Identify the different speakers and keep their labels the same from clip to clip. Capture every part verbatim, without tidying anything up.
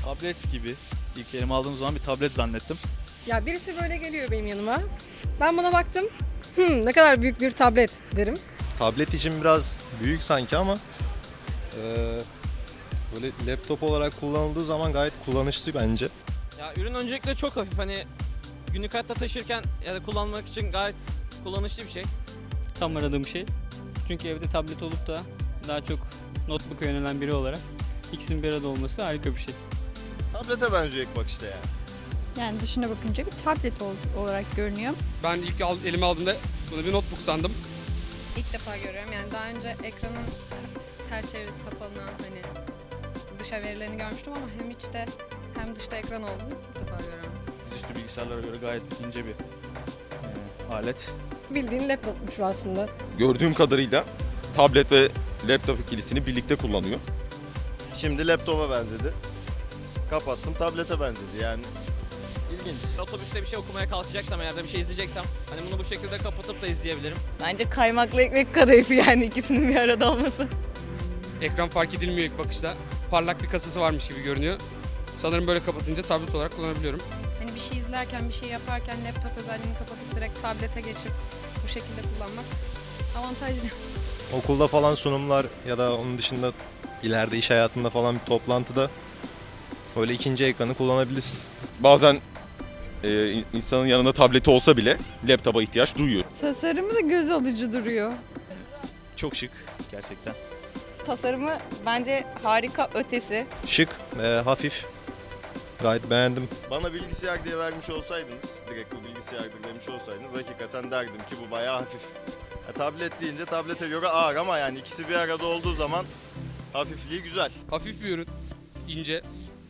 Speaker 1: Tablet gibi. İlk elime aldığım zaman bir tablet zannettim.
Speaker 2: Ya birisi böyle geliyor benim yanıma. Ben buna baktım. Hmm, ne kadar büyük bir tablet derim.
Speaker 3: Tablet için biraz büyük sanki ama eee, böyle laptop olarak kullanıldığı zaman gayet kullanışlı bence.
Speaker 4: Ya ürün öncelikle çok hafif, hani günlük hayatta taşırken ya da kullanmak için gayet kullanışlı bir şey.
Speaker 5: Tam aradığım şey. Çünkü evde tablet olup da daha çok notebook'a yönelen biri olarak ikisinin bir arada olması harika bir şey.
Speaker 6: Tablete benziyor ilk bakışta yani.
Speaker 7: Yani dışına bakınca bir tablet ol- olarak görünüyor.
Speaker 8: Ben ilk al, elime aldığımda bunu bir notebook sandım.
Speaker 2: İlk defa görüyorum. Yani daha önce ekranın ters çevirip kapalanan hani dışa verilerini görmüştüm ama hem içte hem dışta ekran olduğunu ilk defa görüyorum.
Speaker 1: Dizüstü bilgisayarlara göre gayet ince bir e, alet.
Speaker 2: Bildiğin laptopmuş bu aslında.
Speaker 9: Gördüğüm kadarıyla tablet ve laptop ikilisini birlikte kullanıyor.
Speaker 6: Şimdi laptopa benzedi. Kapattım, tablete benzedi yani. İlginç.
Speaker 4: Otobüste bir şey okumaya kalkacaksam eğer de bir şey izleyeceksem hani bunu bu şekilde kapatıp da izleyebilirim.
Speaker 10: Bence kaymaklı ekmek kadayıfı, yani ikisinin bir arada olması.
Speaker 8: Ekran fark edilmiyor ilk bakışta. Parlak bir kasası varmış gibi görünüyor. Sanırım böyle kapatınca tablet olarak kullanabiliyorum.
Speaker 2: Hani bir şey izlerken, bir şey yaparken laptop özelliğini kapatıp direkt tablete geçip bu şekilde kullanmak avantajlı.
Speaker 3: Okulda falan sunumlar ya da onun dışında ileride iş hayatında falan bir toplantıda öyle ikinci ekranı kullanabilirsin.
Speaker 9: Bazen e, insanın yanında tableti olsa bile laptopa ihtiyaç duyuyor.
Speaker 7: Tasarımı da göz alıcı duruyor.
Speaker 1: Çok şık gerçekten.
Speaker 10: Tasarımı bence harika ötesi.
Speaker 3: Şık, eee, hafif. Gayet beğendim.
Speaker 6: Bana bilgisayar diye vermiş olsaydınız, direkt bu bilgisayardır demiş olsaydınız hakikaten derdim ki bu bayağı hafif. Ya, tablet deyince tablete göre ağır ama yani ikisi bir arada olduğu zaman hafifliği güzel.
Speaker 8: Hafif bir ürün, ince.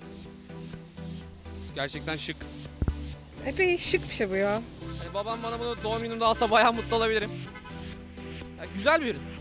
Speaker 8: Gerçekten şık.
Speaker 2: Epey şık bir şey bu ya.
Speaker 4: Hani babam bana bunu doğum günümde alsa bayağı mutlu olabilirim. Ya güzel bir ürün.